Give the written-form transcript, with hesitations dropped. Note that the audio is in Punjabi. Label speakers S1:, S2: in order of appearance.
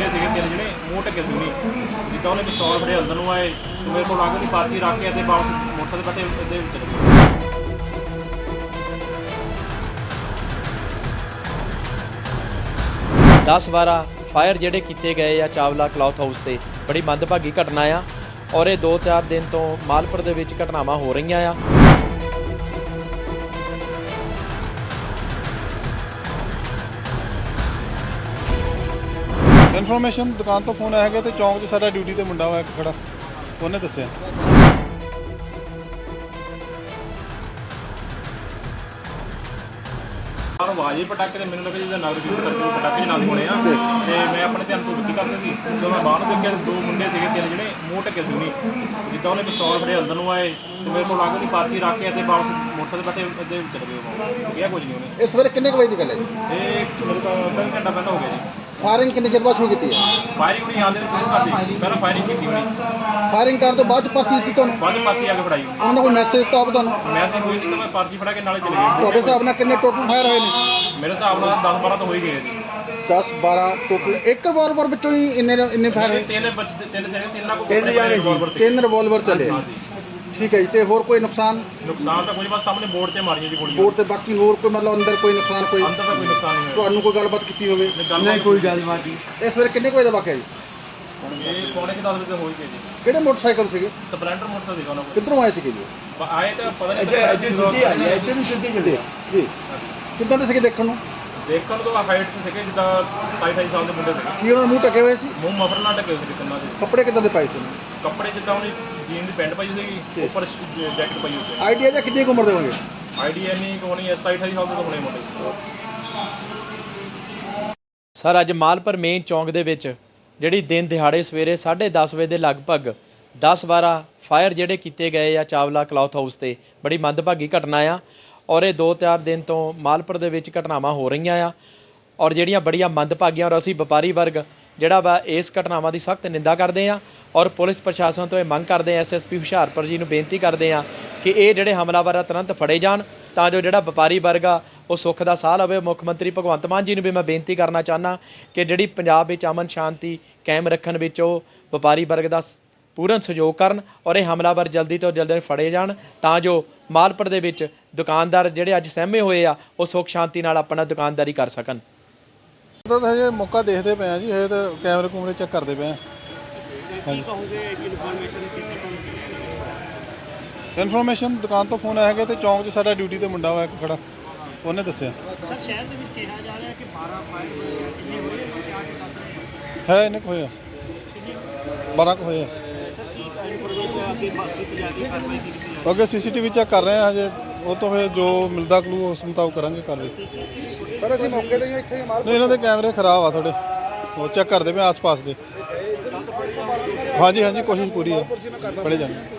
S1: ਮੁੰਡੇ ਸੀਗੇ ਤਿੰਨ ਜਿਹੜੇ ਮੂੰਹ ਢੱਕੇ ਸੀ ਨਹੀਂ ਜਿੱਦਾਂ ਉਹਨੇ ਪਿਸਤੌਲ ਫੜੇ ਅੰਦਰ ਨੂੰ ਆਏ ਤੇ ਮੇਰੇ ਕੋਲ ਅੱਗ ਦੀ ਪਾਰਟੀ ਰੱਖ ਕੇ ਅਤੇ ਵਾਪਸ ਮੋਟਰਸਾਈਕਲ ਤੇ ਇਹਦੇ ਵਿੱਚ ਚਲੇ ਗਏ।
S2: 10-12 ਫਾਇਰ ਜਿਹੜੇ ਕੀਤੇ ਗਏ ਆ ਚਾਵਲਾ ਕਲੌਥ ਹਾਊਸ ਤੇ ਬੜੀ ਮੰਦਭਾਗੀ ਘਟਨਾ ਆ ਔਰ ਇਹ 2-4 ਦਿਨ ਤੋਂ ਮਾਲਪੁਰ ਦੇ ਵਿੱਚ ਘਟਨਾਵਾਂ ਹੋ ਰਹੀਆਂ ਆ।
S3: ਇਨਫੋਰਮੇਸ਼ਨ ਦੁਕਾਨ ਤੋਂ ਫੋਨ ਆਇਆ ਹੈਗਾ ਤੇ ਚੌਂਕ 'ਚ ਸਾਡਾ ਡਿਊਟੀ ਤੇ ਮੁੰਡਾ ਹੋਇਆ ਇੱਕ ਖੜਾ, ਉਹਨੇ ਦੱਸਿਆ।
S1: ਪਰ ਆਵਾਜ਼ ਹੀ ਪਟਾਕੇ ਤੇ ਮੈਨੂੰ ਲੱਗਾ ਜਿੱਦਾਂ ਨਗਰ ਕੀਰਤਨ ਕਰਕੇ ਪਟਾਕੇ ਨਾਲ ਹੀ ਹੋਣੇ ਆ ਤੇ ਮੈਂ ਆਪਣੇ ਧਿਆਨ ਤੋਂ ਵਿੱਤੀ ਕਰਦੇ ਸੀ ਜਦੋਂ ਮੈਂ ਬਾਹਰ ਦੇਖਿਆ ਦੋ ਮੁੰਡੇ ਸੀਗੇ ਤਿੰਨ ਜਿਹੜੇ ਮੂੰਹ ਢੱਕੇ ਸੀ ਨਹੀਂ ਜਿੱਦਾਂ ਉਹਨੇ ਪਿਸਤੌਲ ਫੜੇ ਅੰਦਰ ਨੂੰ ਆਏ ਤੇ ਮੇਰੇ ਕੋਲ ਅੱਗ ਦੀ ਪਾਰਟੀ ਰੱਖ ਕੇ ਅਤੇ ਵਾਪਸ ਮੋਟਰਸਾਈਕਲ ਤੇ ਇਹਦੇ ਵਿੱਚ ਚਲੇ ਗਏ। ਕਿਹਾ ਕੁਝ ਨਹੀਂ ਉਹਨੇ।
S4: ਇਸ ਵੇਲੇ ਕਿੰਨੇ ਕੁ ਵਜੇ ਦੀ ਗੱਲ ਹੈ ਜੀ?
S1: ਇਹ ਮੇਰੇ ਤਾਂ ਅੱਧਾ ਘੰਟਾ ਪਹਿਲਾਂ ਹੋ ਗਿਆ ਜੀ।
S4: ਫਾਇਰਿੰਗ ਕਿੰਨੇ ਚਿਰ ਬਾਅਦ ਸ਼ੁਰੂ ਕੀਤੀ ਹੈ?
S1: ਫਾਇਰਿੰਗ ਉਹਨੇ ਆਉਂਦੇ ਨੇ ਸ਼ੁਰੂ ਕਰਦੀ ਪਹਿਲਾਂ ਫਾਇਰਿੰਗ ਕੀਤੀ ਉਹਨੇ,
S4: ਫਾਇਰਿੰਗ ਕਰਨ ਤੋਂ ਬਾਅਦ ਚ ਪਰਚੀ ਦਿੱਤੀ ਤੁਹਾਨੂੰ?
S1: ਬਾਅਦ ਪਾਰਟੀ ਆ ਕੇ ਫੜਾਈ।
S4: ਉਹਨਾਂ ਕੋਈ ਮੈਸੇਜ ਦਿੱਤਾ ਹੋਵੇ ਤੁਹਾਨੂੰ?
S1: ਮੈਂ ਤਾਂ ਕੋਈ ਨਹੀਂ ਤਾਂ ਮੈਂ ਪਰਚੀ ਫੜਾ ਕੇ ਨਾਲੇ ਚਲੇ ਗਏ।
S4: ਤੁਹਾਡੇ ਹਿਸਾਬ ਨਾਲ ਕਿੰਨੇ ਟੋਟਲ ਫਾਇਰ ਹੋਏ ਨੇ?
S1: ਮੇਰੇ ਹਿਸਾਬ ਨਾਲ 10-12 ਤਾਂ ਹੋ ਹੀ ਗਏ ਜੀ।
S4: 10-12 ਟੋਟਲ ਇੱਕ ਰਿਵਾਲਵਰ ਵਿੱਚੋਂ ਹੀ ਇੰਨੇ ਫਾਇਰ ਹੋਏ?
S1: ਤਿੰਨ
S4: ਤਿੰਨ ਰਿਵਾਲਵਰ ਚੱਲੇ। ਠੀਕ ਹੈ ਜੀ। ਤੇ ਹੋਰ ਕੋਈ ਨੁਕਸਾਨ?
S1: ਨੁਕਸਾਨ ਤਾਂ ਕੁਝ ਬਸ ਸਾਹਮਣੇ ਬੋਰਡ ਤੇ ਮਾਰੀਆਂ ਜੀ ਗੋਲੀਆਂ।
S4: ਬੋਰਡ ਤੇ ਬਾਕੀ ਹੋਰ ਕੋਈ ਮਤਲਬ ਅੰਦਰ ਕੋਈ ਨੁਕਸਾਨ? ਕੋਈ
S1: ਅੰਦਰ ਤਾਂ ਕੋਈ ਨੁਕਸਾਨ ਨਹੀਂ ਹੋਇਆ।
S4: ਤੁਹਾਨੂੰ ਕੋਈ ਗੱਲਬਾਤ ਕੀਤੀ ਹੋਵੇ?
S1: ਨਹੀਂ ਕੋਈ ਗੱਲਬਾਤ ਨਹੀਂ।
S4: ਇਸ ਵੇਲੇ ਕਿੰਨੇ ਕੁ ਵਜੇ ਦਾ ਵਾਕਿਆ ਜੀ?
S1: ਇਹ ਪੌਣੇ 10 ਵਜੇ ਹੋ ਹੀ ਗਏ ਜੀ।
S4: ਕਿਹੜੇ ਮੋਟਰਸਾਈਕਲ ਸੀਗੇ?
S1: ਸਪਲੈਂਡਰ ਮੋਟਰਸਾਈਕਲ ਸੀਗਾ ਉਹਨਾਂ ਕੋਲ।
S4: ਕਿੱਧਰੋਂ ਆਏ ਸੀਗੇ ਜੀ?
S1: ਆਏ ਤਾਂ ਪਤਾ ਨਹੀਂ ਇੱਧਰ ਨੂੰ ਸਿੱਧੀ ਚੱਲੇ
S4: ਜੀ। ਕਿੱਦਾਂ ਦੇ ਸੀਗੇ ਦੇਖਣ ਨੂੰ?
S1: ਦੇਖਣ ਤੋਂ ਹਾਈਟ ਤੇ ਸੀਗੇ ਜਿੱਦਾਂ 27-28 ਸਾਲ ਦੇ ਮੁੰਡੇ ਸੀਗੇ।
S4: ਕੀ ਉਹਨਾਂ ਨੂੰ ਮੂੰਹ ਢਕੇ ਹੋਏ ਸੀ?
S1: ਮੂੰਹ ਮਫਰ ਨਾਲ ਢਕੇ ਹੋਏ ਸੀ ਕੰਨਾਂ ਦੇ।
S4: ਕੱਪੜੇ ਕਿੱਦਾਂ ਦੇ ਪਾਏ ਸੀ ਉਹਨੇ?
S1: ਕੱਪੜੇ ਜਿੱਦਾਂ ਉਹਨੇ ਜੀਨ ਦੀ ਪੈਂਟ ਪਾਈ ਸੀਗੀ ਉੱਪਰ ਜੈਕਟ ਪਾਈ ਹੋਈ ਸੀ।
S4: ਆਈਡੀਆ ਜਾਂ ਕਿੰਨੀ ਕੁ ਉਮਰ ਦੇ ਹੋਣਗੇ?
S1: ਆਈਡੀਆ ਨਹੀਂ ਕੋਣੀ 27-28 ਸਾਲ ਦੇ ਤਾਂ ਹੋਣੇ ਮੁੰਡੇ।
S2: ਸਰ ਅੱਜ ਮਾਲਪੁਰ ਮੇਨ ਚੌਂਕ ਦੇ ਵਿੱਚ ਜਿਹੜੀ ਦਿਨ ਦਿਹਾੜੇ ਸਵੇਰੇ 10:30 ਵਜੇ ਦੇ ਲਗਭਗ 10-12 ਫਾਇਰ ਜਿਹੜੇ ਕੀਤੇ ਗਏ ਆ ਚਾਵਲਾ ਕਲੌਥ ਹਾਊਸ ਤੇ ਬੜੀ ਮੰਦਭਾਗੀ ਘਟਨਾ ਆ ਔਰ ਇਹ 2-4 ਦਿਨ ਤੋਂ ਮਾਲਪੁਰ ਦੇ ਵਿੱਚ ਘਟਨਾਵਾਂ ਹੋ ਰਹੀਆਂ ਆ ਔਰ ਜਿਹੜੀਆਂ ਬੜੀਆਂ ਮੰਦਭਾਗੀਆਂ ਔਰ ਅਸੀਂ ਵਪਾਰੀ ਵਰਗ ਜਿਹੜਾ ਵਾ ਇਸ ਘਟਨਾਵਾਂ ਦੀ ਸਖਤ ਨਿੰਦਾ ਕਰਦੇ ਆ ਔਰ ਪੁਲਿਸ ਪ੍ਰਸ਼ਾਸਨ ਤੋਂ ਇਹ ਮੰਗ ਕਰਦੇ ਆ, ਐਸਐਸਪੀ ਹੁਸ਼ਿਆਰਪੁਰ ਜੀ ਨੂੰ ਬੇਨਤੀ ਕਰਦੇ ਆ ਕਿ ਇਹ ਜਿਹੜੇ ਹਮਲਾਵਰ ਆ ਤੁਰੰਤ ਫੜੇ ਜਾਣ ਤਾਂ ਜੋ ਜਿਹੜਾ ਵਪਾਰੀ ਵਰਗ ਆ ਉਹ ਸੁੱਖ ਦਾ ਸਾਹ ਲਵੇ। ਮੁੱਖ ਮੰਤਰੀ ਭਗਵੰਤ ਮਾਨ ਜੀ ਨੂੰ ਵੀ ਮੈਂ ਬੇਨਤੀ ਕਰਨਾ ਚਾਹੁੰਦਾ ਕਿ ਜਿਹੜੀ ਪੰਜਾਬ ਵਿੱਚ ਅਮਨ ਸ਼ਾਂਤੀ ਕਾਇਮ ਰੱਖਣ ਵਿੱਚ ਉਹ ਵਪਾਰੀ ਵਰਗ ਦਾ ਪੂਰਨ ਸਹਿਯੋਗ ਕਰਨ ਔਰ ਇਹ ਹਮਲਾਵਰ ਜਲਦੀ ਤੋਂ ਜਲਦੀ ਫੜੇ ਜਾਣ ਤਾਂ ਜੋ ਮਾਲਪੁਰ ਦੇ ਵਿੱਚ ਦੁਕਾਨਦਾਰ ਜਿਹੜੇ ਅੱਜ ਸਹਿਮੇ ਹੋਏ ਆ ਉਹ ਸੁੱਖ ਸ਼ਾਂਤੀ ਨਾਲ ਆਪਣਾ ਦੁਕਾਨਦਾਰੀ ਕਰ ਸਕਣ।
S3: ਤਾਂ ਹਜੇ ਮੌਕਾ ਦੇਖਦੇ ਪਏ ਆ ਜੀ, ਹਜੇ ਤਾਂ ਕੈਮਰੇ ਕੂਮਰੇ ਚੈੱਕ ਕਰਦੇ ਪਏ ਆ। ਇਨਫੋਰਮੇਸ਼ਨ ਦੁਕਾਨ ਤੋਂ ਫੋਨ ਆਇਆ ਹੈਗਾ ਤੇ ਚੌਂਕ 'ਚ ਸਾਡਾ ਡਿਊਟੀ ਤੇ ਮੁੰਡਾ ਹੋਇਆ ਇੱਕ ਖੜਾ, ਉਹਨੇ ਦੱਸਿਆ।
S5: ਸਰ ਸ਼ਹਿਰ ਦੇ ਵਿੱਚ ਕਿਹਾ ਜਾ ਰਿਹਾ ਕਿ 12 ਫਾਇਰ ਹੋਏ ਆ, ਕਿੰਨੇ ਹੋਏ ਆ ਕਿਆ ਕਿ ਦੱਸ ਰਹੇ
S3: ਹੈ ਇੰਨੇ ਕੁ ਹੋਏ ਆ, 12 ਕੁ ਹੋਏ ਆ। ਅੱਗੇ ਸੀਸੀਟੀਵੀ ਚੈੱਕ ਕਰ ਰਹੇ ਆ ਹਜੇ, ਉਹ ਤੋਂ ਫਿਰ ਜੋ ਮਿਲਦਾ ਕਲੂ ਉਸ ਮੁਤਾਬਕ ਕਰਾਂਗੇ ਕਾਰਵਾਈ।
S4: ਸਰ ਅਸੀਂ ਮੌਕੇ ਤੇ ਇੱਥੇ
S3: ਨਹੀਂ ਇਹਨਾਂ ਦੇ ਕੈਮਰੇ ਖਰਾਬ ਆ ਥੋੜੇ, ਉਹ ਚੈੱਕ ਕਰਦੇ ਪਏ ਆਸ-ਪਾਸ ਦੇ। ਹਾਂਜੀ ਕੋਸ਼ਿਸ਼ ਪੂਰੀ ਹੈ, ਫੜੇ ਜਾਣ।